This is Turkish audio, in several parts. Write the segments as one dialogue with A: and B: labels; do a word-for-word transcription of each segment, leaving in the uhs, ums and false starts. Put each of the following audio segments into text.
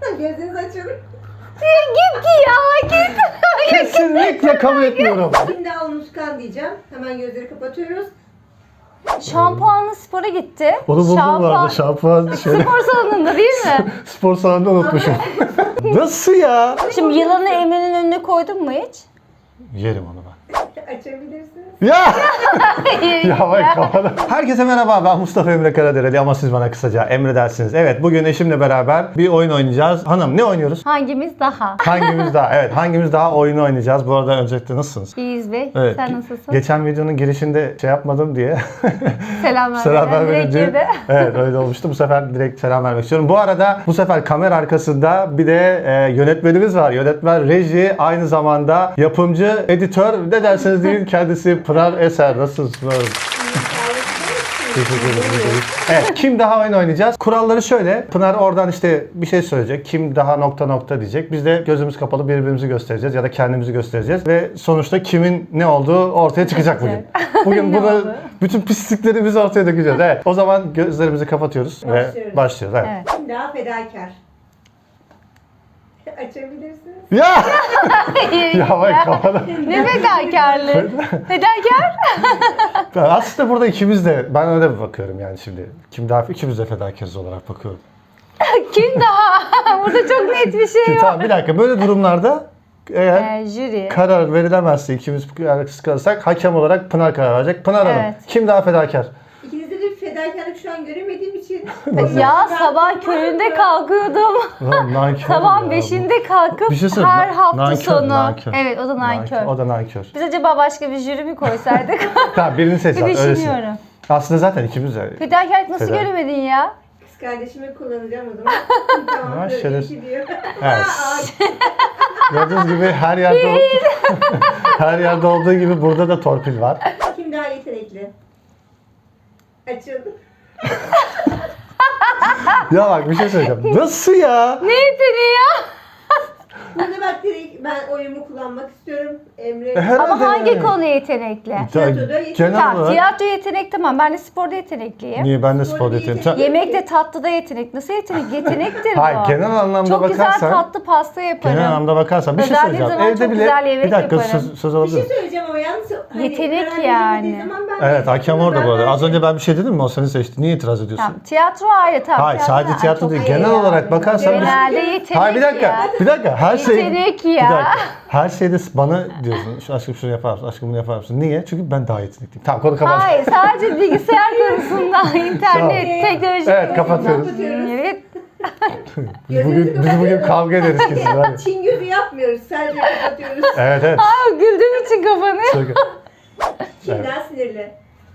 A: Gözünüzü açın.
B: Git ya git.
C: Kesinlikle kabul etmiyorum.
A: Şimdi daha unutkan diyeceğim. Hemen gözleri kapatıyoruz.
B: Şampuanlı spora gitti.
C: Onu buldum bu arada. Şampuan şöyle.
B: Spor salonunda değil mi?
C: Spor salonunda unutmuşum. Nasıl ya?
B: Şimdi yılanı Emre'nin önüne koydun mu hiç?
C: Yerim onu ben.
A: Açabilirsiniz.
C: Ya! Ya bak kafana. Herkese merhaba, ben Mustafa Emre Karadereli ama siz bana kısaca Emre dersiniz. Evet, bugün eşimle beraber bir oyun oynayacağız. Hanım, ne oynuyoruz?
B: Hangimiz daha?
C: Hangimiz daha? Evet, hangimiz daha oyunu oynayacağız. Bu arada öncelikle nasılsınız?
B: İyiyiz Bey.
C: Evet.
B: Sen nasılsın?
C: Geçen videonun girişinde şey yapmadım diye
B: Selam
C: selam
B: vermeden direkt
C: vermeyince
B: girdi.
C: evet öyle olmuştu. Bu sefer direkt selam vermek istiyorum. Bu arada bu sefer kamera arkasında bir de e, yönetmenimiz var. Yönetmen, reji, aynı zamanda yapımcı, editör, ne derseniz deyin, kendisi Pınar Eser. Nasılsınız Pınar Hanım? Teşekkür ederim. Evet, kim daha oyun oynayacağız? Kuralları şöyle. Pınar oradan işte bir şey söyleyecek. Kim daha nokta nokta diyecek. Biz de gözümüz kapalı birbirimizi göstereceğiz ya da kendimizi göstereceğiz. Ve sonuçta kimin ne olduğu ortaya çıkacak bugün. Bugün
B: Ne
C: bunu
B: oldu?
C: bütün pisliklerimizi ortaya dökeceğiz. Evet. O zaman gözlerimizi kapatıyoruz ve
A: Başlıyoruz.
C: başlıyoruz. Evet.
B: Evet.
A: Şimdi daha fedakar. Açabilirsiniz.
C: Ya! ya bak kafana.
B: Ne fedakarlığı? Fedakar?
C: Aslında burada ikimiz de, ben öyle bir bakıyorum yani şimdi. Kim daha, ikimiz de fedakarız olarak bakıyorum.
B: Kim daha? Burada çok net bir şey
C: Şimdi
B: yok.
C: tamam, bir dakika, böyle durumlarda eğer
B: Ee, jüri.
C: karar verilemezse, ikimiz kararsız kalırsak hakem olarak Pınar karar verecek. Pınar Hanım,
B: Evet.
C: kim daha fedakar?
A: İkinizde de fedakarlık şu an göremediğim için.
B: Ya sabah köründe kalkıyordum.
C: Lan nankör
B: Sabah
C: ya.
B: beşinde kalkıp
C: Bir şey söyleyeyim,
B: her
C: na-
B: hafta
C: nankör,
B: sonu.
C: nankör.
B: Evet o da nankör.
C: O da nankör.
B: Biz acaba başka bir jüri mi koysaydık?
C: Tamam, birini seç
B: Bir
C: lan, öylesin.
B: düşünüyorum.
C: Aslında zaten ikimiz de.
B: Fedakarlık nasıl
C: Feda-
B: göremedin ya?
A: Kız kardeşimi kullanacağım o zaman. Tamam.
C: Ha,
A: böyle
C: şeref-
A: iyi diyor.
C: Evet.
A: Aa,
C: Gördüğünüz gibi her yerde her yerde olduğu gibi burada da torpil var.
A: Kim daha yetenekli? Açıldı.
C: Ya bak, bir şey söyleyeceğim. Nasıl ya?
B: Ne yeteneği ya?
A: Burada bak direkt ben oyumu kullanmak istiyorum. Emre.
C: E, herhalde
B: Ama hangi
C: yani.
B: konu yetenekli?
A: Tiyatroda yetenek-
C: Genel
B: Tamam,
C: olarak.
B: tiyatro yetenek tamam. Ben de sporda yetenekliyim.
C: Niye, ben de
A: Spor
C: spor
A: değil.
C: yeteneğim. Sen-
B: Yemekte tatlıda yetenek. Nasıl yetenek? Yetenektir bu.
C: Hayır, genel anlamda
B: Çok güzel
C: bakarsan.
B: tatlı pasta yaparım.
C: Genel anlamda bakarsan bir şey
B: Özellikle
C: söyleyeceğim.
B: zaman
C: Evde
B: çok
C: bile
B: güzel yemek
C: bir dakika
B: yaparım.
C: söz, söz
A: Bir
C: alabilir
A: şey
C: miyim?
A: söyleyeceğim ama yalnız hani
B: Yetenek
A: karar
B: yani.
A: verilmediği zaman ben
C: Evet, hakem orada
A: ben
C: bu arada. Az
A: verdim.
C: önce ben bir şey dedim mi? O seni seçti. Niye itiraz ediyorsun?
B: Tamam, tiyatro ayrı tamam.
C: Hayır, sadece
B: da-
C: tiyatro
B: Ay,
C: değil.
B: çok
C: Genel
B: iyi
C: olarak
B: yani.
C: bakarsan biz-
B: Genelde yetenek
C: Hayır, bir dakika.
B: ya.
C: Bir dakika. Her şey
B: Yetenek
C: Bir
B: ya.
C: dakika. Her şeyde bana diyorsun. Şu aşkım şunu yapar mısın? Aşkım bunu yapar mısın? Niye? Çünkü ben daha yetenekliyim. Tamam, konu kapat.
B: Hayır sadece bilgisayar konusunda, internet,
C: Tamam.
B: teknoloji
C: Evet,
B: konusunda.
C: kapatıyoruz.
B: Evet.
C: Biz bugün, biz bugün kavga ederiz kesin. Hadi.
A: Çin gözü yapmıyoruz. Sadece kapatıyoruz.
C: Evet, evet.
B: Aa, güldüğüm için kafanı.
C: Çok-
A: Kim
C: Evet.
A: daha sinirli?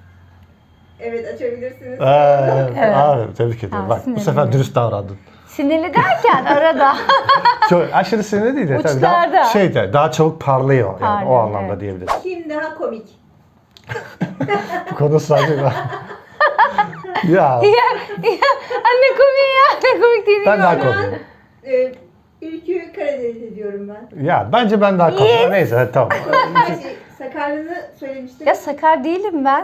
A: Evet, açabilirsiniz.
C: Aa, evet.
B: Evet.
C: Abi, tebrik ediyorum.
B: Aa,
C: Bak, bu
B: sinirli.
C: sefer dürüst davrandın.
B: Sinirli derken arada.
C: Çok aşırı sinirli değil de tabii daha
B: Uçlarda.
C: şey de daha çabuk parlıyor yani,
B: Parlıyor,
C: o anlamda
B: evet.
C: diyebiliriz.
A: Kim daha komik?
C: Bu konu sadece ben. ya
B: ya, ya, anne komik ya. Ne komik değil.
C: ben daha
B: mi?
C: komiyim.
A: Ee, Ülkü Karadeniz diyorum ben.
C: Ya bence ben daha komiyim.
B: Yes.
C: Neyse, hadi, tamam.
A: Her şey, sakarlığını söylemiştim.
B: Ya sakar değilim ben.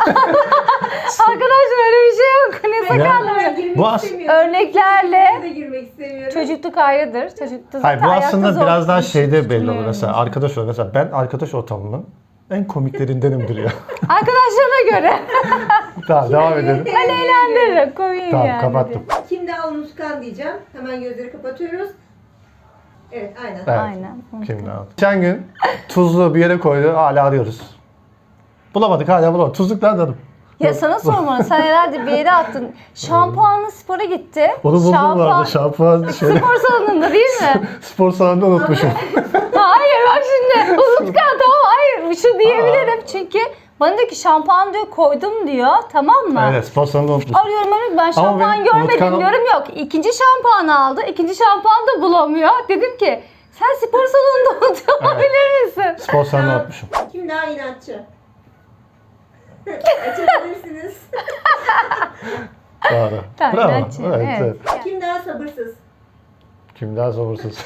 B: Arkadaşlar öyle bir şey yok. Ne sakarlığı?
A: Ben girmek
C: Bu as-
A: istemiyorum.
B: Örneklerle
A: Ben de girmek istemiyorum.
B: çocukluk ayrıdır. Çocuklukta
C: Hayır, bu
B: zaten
C: aslında
B: ayakta zor
C: biraz daha şeyde belli olur.
B: tutunuyorum.
C: Mesela arkadaş ol. Mesela ben arkadaş ortamının en komiklerindenimdir ya.
B: Arkadaşlarına göre.
C: Tamam, devam edelim.
B: Ben eğlendiririm. Komiyim
C: Tamam,
B: yani.
C: kapattım.
A: Kim daha unutkan diyeceğim. Hemen gözleri kapatıyoruz. Evet, aynen.
C: Evet.
B: Aynen.
C: Kim daha? Geçen gün tuzlu bir yere koydu. Hala arıyoruz. Bulamadık, hala bulamadık. Tuzluk nerede hanım?
B: Ya sana sormalı. Sen herhalde bir yere attın. Şampuanlı spora gitti.
C: Onu buldum bu arada.
B: Şampuan-
C: Şampuan şöyle
B: Spor salonunda değil mi?
C: spor salonunda unutmuşum.
B: Hayır bak şimdi. Unutkan tamam hayır. Şu diyebilirim. Çünkü bana diyor ki şampuan diyor koydum diyor. Tamam mı?
C: Evet, spor salonunda unutmuşum.
B: Arıyorum arıyorum ben şampuan
C: benim
B: görmedim
C: unutkanım-
B: diyorum yok. İkinci şampuanı aldı. İkinci şampuan da bulamıyor. Dedim ki sen spor salonunda unutuyor olabilir misin?
C: Spor salonunda unutmuşum.
A: Kim daha inatçı? Açabilirsiniz.
C: Doğru.
B: Tamam,
C: Bravo.
B: inatçı,
C: Evet,
B: evet.
C: evet.
A: Kim daha sabırsız?
C: Kim daha sabırsız?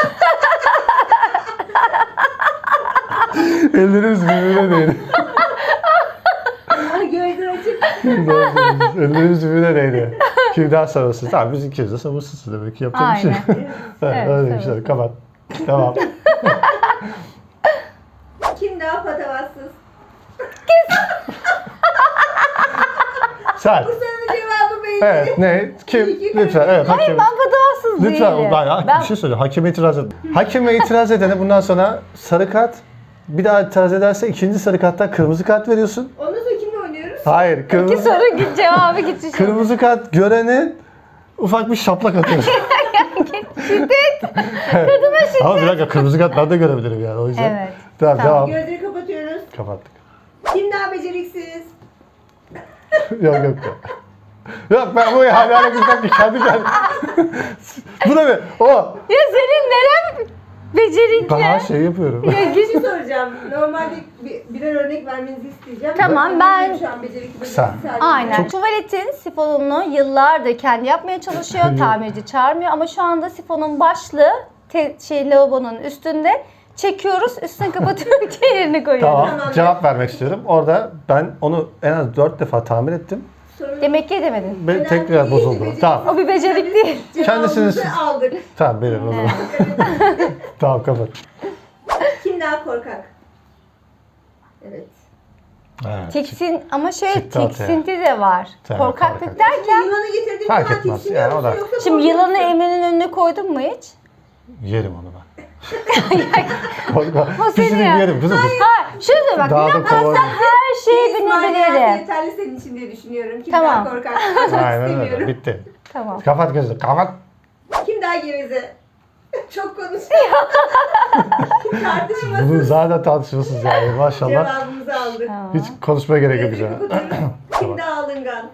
C: Ellerimiz birbirine değdi.
A: Aa, gözler açık.
C: Ellerimiz birbirine değdi. Kim daha sabırsız? Tamam biz ikimiz de sabırsızız demek ki yapacak bir şey.
B: Aynen.
C: Evet,
B: Evet,
C: öyle bir şey.
B: sabırsız.
C: Kapat. Tamam.
A: Kim daha patavatsız?
C: Sen.
A: Bu sorunun cevabı belli.
C: Evet ne? Kim?
A: İyi ki
C: Lütfen.
A: kaybettin.
C: Evet hakim.
B: Ben patavatsız
C: Lütfen
B: değilim.
C: ben, ben bir şey söyleyeyim. Hakeme itiraz et. Hakeme itiraz edene bundan sonra sarı kart, bir daha itiraz ederse ikinci sarı karttan kırmızı kart veriyorsun.
A: Ondan sonra kimle oynuyoruz?
C: Hayır,
B: İki
C: kırmızı,
B: soru git cevabı gitti.
C: kırmızı kart görene ufak bir şaplak atıyorsun.
B: Şiddet. Kadına şiddet.
C: Ama bir dakika kırmızı kart ben de görebilirim yani o yüzden.
B: Evet.
C: Tamam,
B: Tamam.
C: devam.
A: Gözleri kapatıyoruz.
C: Kapattık.
A: Kim daha beceriksiz?
C: Yok yok yok. Yok ben bu hala güzel ki kendi kendi. Bu da mı? O.
B: Ya senin neren becerikli?
C: Daha şey yapıyorum.
A: Bir şey soracağım. Normalde bir, birer örnek vermenizi isteyeceğim.
B: Tamam,
A: Bakın
B: ben-
A: benim Şu an becerikli
C: Kısa.
A: beceriksiz halimde.
B: Aynen. Tuvaletin sifonunu yıllardır kendi yapmaya çalışıyor. Tamirci çağırmıyor ama şu anda sifonun başlığı te- şey lavabonun üstünde. Çekiyoruz, üstünü kapatıyoruz, yerini koyuyoruz.
C: Tamam.
A: Tamam.
C: Cevap vermek istiyorum. Orada ben onu en az dört defa tamir ettim.
A: Sorun-
B: Demek ki edemedin.
C: Ve
A: Önemli
C: tekrar
A: değil,
C: bozuldu.
A: beceriksiz.
C: Tamam.
B: O bir becerik değil.
A: Cevabımızı
C: Kendisiniz-
A: aldık.
C: Tamam benim o zaman. Tamam kapat.
A: Kim daha korkak? Evet.
C: Evet.
B: Tiksin ama şöyle
C: Çıktı ortaya.
B: tiksinti de var.
C: Tamam,
B: Korkaklık
C: korkak.
B: derken
A: Yılanı getirdiğim
C: Fark
A: zaman
C: etmez,
A: tiksiniyor
C: yani o
A: musun
C: da-
A: yoksa
B: şimdi
A: korkuyor
B: yılanı
A: musun?
B: Emre'nin önüne koydun mu hiç?
C: Yerim onu ben. Korkma.
B: O seni
C: Pisini
B: ya.
C: yerim kızım.
B: Ha, şöyle bak,
C: Daha da
B: bilemezsen
C: kolay.
B: her şeyi
A: İsmail Yasin
B: bilebilirim.
A: yeterli senin için diye düşünüyorum. Kim
B: Tamam.
A: daha korkak? Kaçmak
C: Aynen öyle.
A: istemiyorum.
C: Bitti.
B: Tamam.
C: Kapat gözünü. Kapat.
A: Kim daha geveze? Çok konuşuyor. Tartışmasız
C: Bunun zaten tartışmasız yani maşallah.
A: cevabımızı aldık.
B: Tamam.
C: Hiç konuşmaya gerek yok
A: Gözleri
C: bize.
A: kapatıyoruz. Kim
C: Tamam.
A: daha alıngan?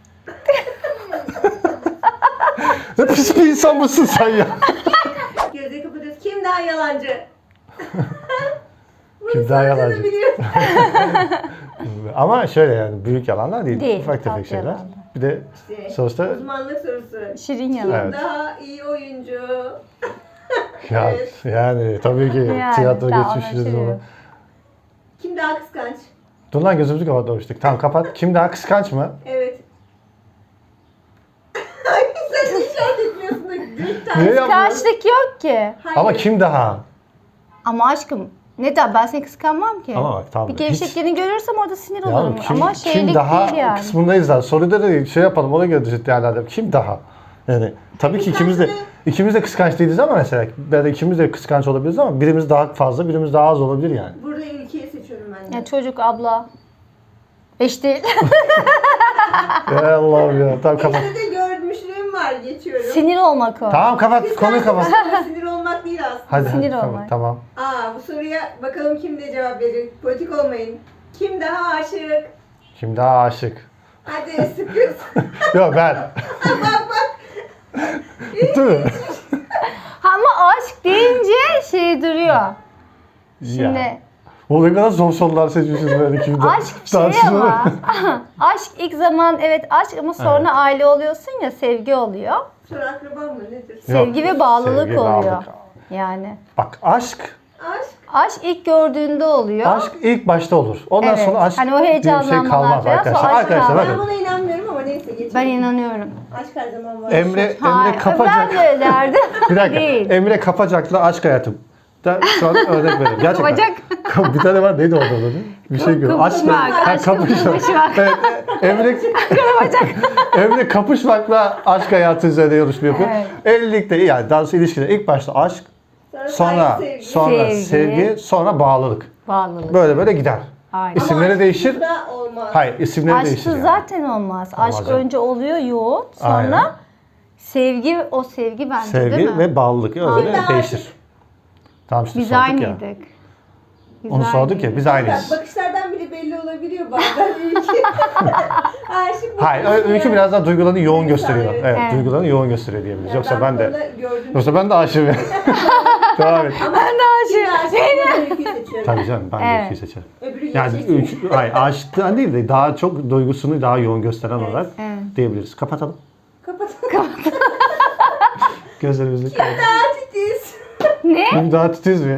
C: Ne pis bir insan mısın sen ya?
A: Gözleri kapatıyoruz. Kim daha yalancı? Bunu
C: Kim daha
A: sadece
C: yalancı?
A: biliyorsun.
C: Ama şöyle yani büyük yalanlar değil.
B: Değil,
C: Ufak tefek
B: tatlı
C: şeyler.
B: yalanlar.
C: Bir de
A: İşte
C: sonuçta
A: uzmanlık sorusu.
B: Şirin yalan.
C: Evet.
A: Daha iyi oyuncu.
C: ya,
A: Evet.
C: yani tabii ki
B: Yani,
C: tiyatro
B: tamam,
C: geçmişiz
B: şey
C: ama.
B: yok.
A: Kim daha kıskanç?
C: Dur lan gözümüzü kapatmamıştık. Tamam kapat. Kim daha kıskanç mı?
A: Evet. Ay sen işaret etmiyorsun da gül
C: Niye
A: tane.
C: yapmıyorsun?
B: Kıskançlık yok ki.
A: Hayır.
C: Ama kim daha?
B: Ama aşkım neden? Ben seni kıskanmam ki.
C: Ama bak tamam.
B: Bir gevşekliğini görürsem orada sinir
C: Ya
B: olurum.
C: kim,
B: Ama
C: kim
B: şeylik
C: daha
B: değil yani.
C: kısmındayız zaten. Soruda da şey yapalım ona göre düşün değerlendirelim. Kim daha? Yani tabii ki ikimiz de ikimiz de kıskanç değiliz ama mesela ya da ikimiz de kıskanç olabiliriz ama birimiz daha fazla, birimiz daha az olabilir yani.
A: Burada ülkeyi seçiyorum ben de.
B: Ya çocuk, abla. Eş değil.
C: Ya Allah'ım ya. Tamam kapat.
A: İşte de görmüşlüğüm var geçiyorum.
B: Sinir olmak o.
C: Tamam kapat. Konuyu kapat.
A: Kıskançlık sinir olmak değil aslında.
C: Hadi,
B: Sinir
C: hadi
B: olmak.
C: kapat. Tamam.
A: Aa bu soruya bakalım kim de cevap verecek. Politik olmayın. Kim daha aşık?
C: Kim daha aşık?
A: Hadi sıkıyorsun.
C: Yok ben.
A: bak bak.
C: Değil mi?
B: Ama aşk deyince şey duruyor. Şimdi
C: Ya. O ne kadar zor sorular seçmişiz böyle kimde.
B: aşk bir şey ama. Aşk ilk zaman evet aşk ama sonra
C: Evet.
B: aile oluyorsun ya, sevgi oluyor.
A: Sonra akraban mı nedir?
B: Sevgi ve bağlılık
C: sevgi,
B: oluyor.
C: bağlılık.
B: Yani.
C: Bak aşk,
A: Aşk.
B: Aşk ilk gördüğünde oluyor.
C: aşk ilk başta olur. Ondan
B: Evet.
C: sonra aşk
B: Hani o
C: diye bir şey
B: heyecanlanmalar
C: kalmaz
B: falan,
C: arkadaşlar.
B: sonra aşk
C: Arkadaşlar
B: kalmaz.
A: Ben
C: bakın.
A: buna inanmıyorum ama neyse geçelim.
B: Ben inanıyorum.
A: Aşk her zaman var.
C: Emre, Emre
B: Hayır,
C: Kapacak.
B: ben de öyle derdim.
C: Bir dakika.
B: Değil.
C: Emre Kapacak'la aşk hayatım. Da şu an örnek veriyorum. Gerçekten.
B: Kapacak.
C: Bir tane var neydi orada adı? Bir şey görüyorum. Aşk.
B: Kapışmak,
C: Ha,
B: aşkım
C: kapışmak.
B: kapışmak.
C: Evet, Emre Emre kapışmakla aşk hayatı üzerine yarışma yapıyor.
B: Evet.
C: Evlilikte yani daha doğrusu ilişkide ilk başta aşk,
A: Sonra,
C: sonra
A: saygı, sevgi.
C: sonra
B: Sevgi.
C: sevgi, sonra bağlılık.
B: Bağlılık.
C: Böyle böyle gider.
B: Aynen.
C: İsim-
A: Ama
C: İsimleri
A: aşk
C: değişir.
A: da olmaz.
C: Hayır, isimleri değişir.
B: Aşksız
C: Yani.
B: zaten olmaz. Aşk
C: Olmaz yani.
B: önce oluyor yoğun. Sonra
C: Aynen.
B: sevgi, o sevgi bence değil
C: Sevgi
B: mi?
C: ve bağlılık öyle
A: Kim daha
C: değişir.
A: aşık?
C: Tamam işte
B: Biz
C: sorduk ya.
B: aynıydık. Biz
C: Onu sorduk ya
B: aynıydık.
C: biz aynıyız.
A: Bak, bakışlardan bile belli olabiliyor bazen ülke. Aşık
C: Hayır,
A: bakıyorsun
C: Öykü
A: ya.
C: biraz daha duygularını yoğun
A: Duygusal,
C: gösteriyor.
A: evet.
C: Evet,
B: Evet.
C: duygularını yoğun gösteriyor diyebiliriz.
A: Ya
C: Yoksa ben
A: bu
C: de
A: konuda gördüm.
C: Yoksa ben de aşığım. Devam et.
A: Ama
B: Ben de
A: kim daha
B: aşığım.
A: aşık? Ben Öyküyü seçiyorum.
C: Tabii canım ben de
B: Evet.
C: Öykü'yü seçerim.
A: Öbürü
C: Yani
A: gerçekçi.
C: Öykü, hayır aşıktan değil de daha çok duygusunu daha yoğun gösteren
A: Evet.
C: olarak
B: Evet.
C: diyebiliriz. Kapatalım.
A: Kapatalım.
C: Gözlerimizi
A: Kim
C: kapatalım.
A: daha titiz?
B: Ne?
C: Kim daha titiz mi?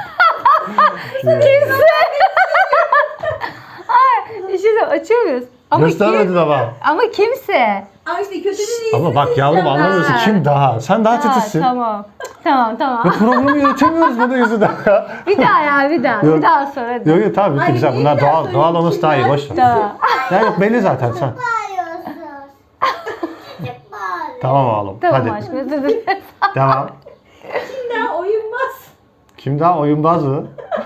B: Kimse. Ay, işte de açıyor muyuz? Ama
C: Göstermedin
B: kim?
C: ama.
B: Ama kimse.
A: Ama işte kötü bir
C: Ama bak yavrum
A: seçeceğim ben.
C: anlamıyorsun.
B: Ha.
C: Kim daha? Sen daha
B: Ha,
C: titizsin.
B: tamam. Tamam tamam.
C: Ve programı yönetemiyoruz bunun yüzünden ya.
B: Bir daha ya bir daha.
C: Yok.
B: Bir daha sor hadi.
C: Yok yok tamam bitti
A: Ay,
C: güzel.
A: niye
C: Bunlar
A: bir daha
C: doğal,
A: söyleyeyim?
C: doğal olması daha iyi.
A: Kimler?
C: Boş ver.
B: Tamam.
C: Ya yok belli zaten sen.
D: Bağırıyorsunuz. Çocuk bağırıyor.
C: Tamam oğlum.
B: Tamam
C: Hadi.
B: aşkım özür dilerim.
C: Devam.
A: Kimden oyunmaz.
C: Kim daha oyunbaz mı?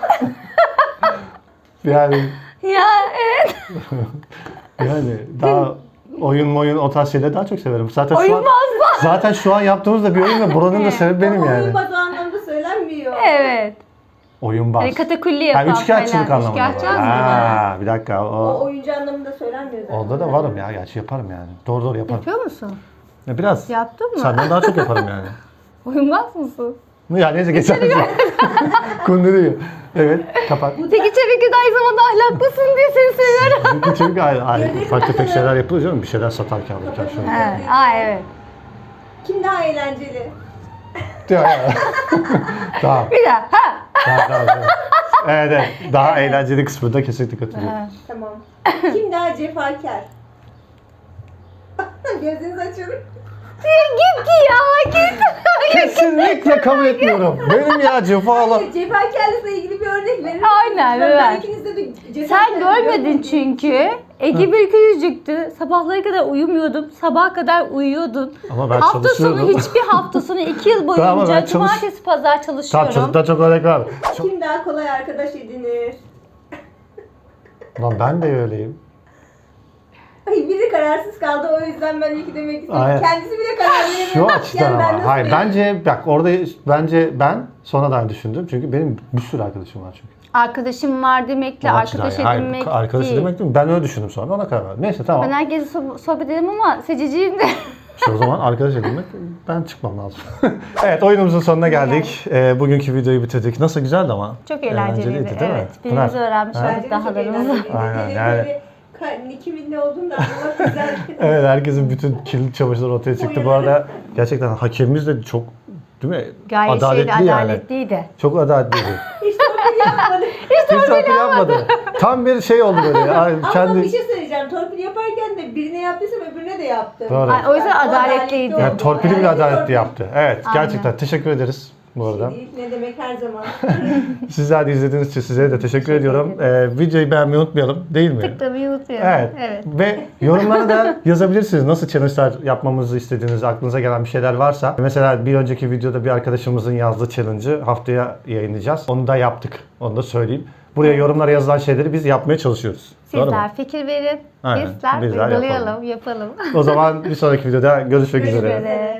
C: yani
B: Ya evet.
C: yani daha oyun oyun o tarz şeyleri daha çok severim. Zaten şu an
B: Oyunbaz mı?
C: zaten şu an yaptığımız da bir oyun ve buranın da sebebi benim
A: Ama
C: yani.
A: oyunmaz o anlamda söylenmiyor.
B: Evet.
C: Oyunbaz.
B: Hani katakulli
C: Ha,
B: yapan
C: üçkağıtçılık
B: falan.
C: anlamında.
B: Üçkağıtçı
C: var.
B: mı?
C: Ha, bir dakika.
A: O
C: O,
A: oyuncu anlamında söylenmiyor zaten.
C: orada da varım ya. Gerçi yaparım yani. Doğru doğru yaparım.
B: Yapıyor musun?
C: Ya biraz.
B: Yaptın mı?
C: Senden daha çok yaparım yani.
B: Oyunbaz mısın?
C: Ya neyse geçer. Kunduruyor. Evet kapat.
B: Peki tabii ki de aynı zamanda ahlaklısın diye seni seviyorum.
C: Çünkü çünkü ay, ay, ufak tefek şeyler yapılıyor canım. Bir şeyler satarken alırken şöyle.
B: Evet. Aa evet.
A: Kim daha eğlenceli?
C: Ya, ya. Tamam.
B: Bir daha. Ha.
C: Tamam, tamam, tamam. Evet, evet. Daha eğlenceli kısmında kesinlikle katılıyorum.
B: Ha.
A: Tamam. Kim daha cefakar? Gözünüzü açın.
B: Git ya git.
C: Kesinlikle kabul etmiyorum. Benim ya cefalı.
A: Hayır, cefakarlıkla ilgili bir örnek verir
B: Aynen,
A: Ben,
B: evet.
A: ben ikinizde de cefakar
B: Sen görmedin çünkü. Ege bir küçücüktü. Sabahlara kadar uyumuyordum. Sabaha kadar uyuyordun.
C: Ama ben
B: Hafta sonu
C: çalışıyorum.
B: hiçbir hafta sonu iki yıl
C: Tamam,
B: boyunca
C: ben çalış-
B: cumartesi pazar
C: Tamam
B: çalışıyorum.
C: çocuktan çok örnek var.
A: Kim daha kolay arkadaş edinir?
C: Lan ben de öyleyim.
A: Ay biri kararsız kaldı o yüzden ben iki demek istedim.
C: Aynen.
A: Kendisi bile karar veremiyor.
C: Şu
A: Bak
C: açıdan
A: yani ben
C: ama.
A: nasıl
C: Hayır
A: diyeyim?
C: bence bak orada bence ben sonradan düşündüm. Çünkü benim bir sürü arkadaşım var çünkü.
B: Arkadaşım var demekle
C: O açıdan
B: arkadaş
C: yani.
B: edinmek
C: Hayır, arkadaş
B: değil.
C: edinmek değil mi? Ben öyle düşündüm sonra ona karar verdim. Neyse tamam.
B: Ben herkese so- sohbet ederim ama seçiciyim de.
C: İşte o zaman arkadaş edinmek ben çıkmam lazım. Evet oyunumuzun sonuna geldik. Ee, bugünkü videoyu bitirdik. Nasıl güzeldi ama?
B: Çok eğlenceliydi.
C: değil mi?
B: Evet. Birbirimizi
C: Pınar?
B: öğrenmiş
C: Ha?
A: Bence
B: olduk
A: de çok
B: dahalarımızı.
A: eğlenceli.
C: Aynen,
A: Benim
C: yani-
A: böyle ka- kimin ne olduğunu da anlamak güzel.
C: Evet herkesin bütün kirli çamaşırları ortaya çıktı. Bu arada gerçekten hakemimiz de çok değil mi?
B: Gayet
C: adaletli
B: şeyli,
C: yani.
B: adaletliydi.
C: Çok adaletliydi.
A: Hiç torpil yapmadı.
C: Hiç torpil yapmadı. Tam bir şey oldu böyle. ya.
A: Ama
C: Kendi...
A: bir şey söyleyeceğim. Torpil yaparken de birine yaptıysam öbürüne de yaptı.
C: Doğru.
B: Ay, o yüzden
A: Yani o
B: adaletliydi.
A: oldu.
C: Yani torpili bile
A: Yani
C: adaletli
A: torpil-
C: yaptı. Evet
B: Aynen.
C: gerçekten teşekkür ederiz bu arada.
A: Değil, ne demek her zaman.
C: Sizler de izlediğiniz için size de teşekkür ediyorum. Ee, videoyu beğenmeyi unutmayalım değil mi?
B: Tıklamayı unutmayalım.
C: Evet.
B: Evet.
C: Ve yorumlara da yazabilirsiniz. Nasıl challenge'lar yapmamızı istediğiniz, aklınıza gelen bir şeyler varsa. Mesela bir önceki videoda bir arkadaşımızın yazdığı challenge'ı haftaya yayınlayacağız. Onu da yaptık. Onu da söyleyeyim. Buraya yorumlara yazılan şeyleri biz yapmaya çalışıyoruz. Doğru mu?
B: Sizler fikir verin.
C: Aynen,
B: Bizler
C: bizler
B: uygulayalım, yapalım.
C: O zaman bir sonraki videoda görüşmek
B: Görüşmek
C: üzere.
B: üzere.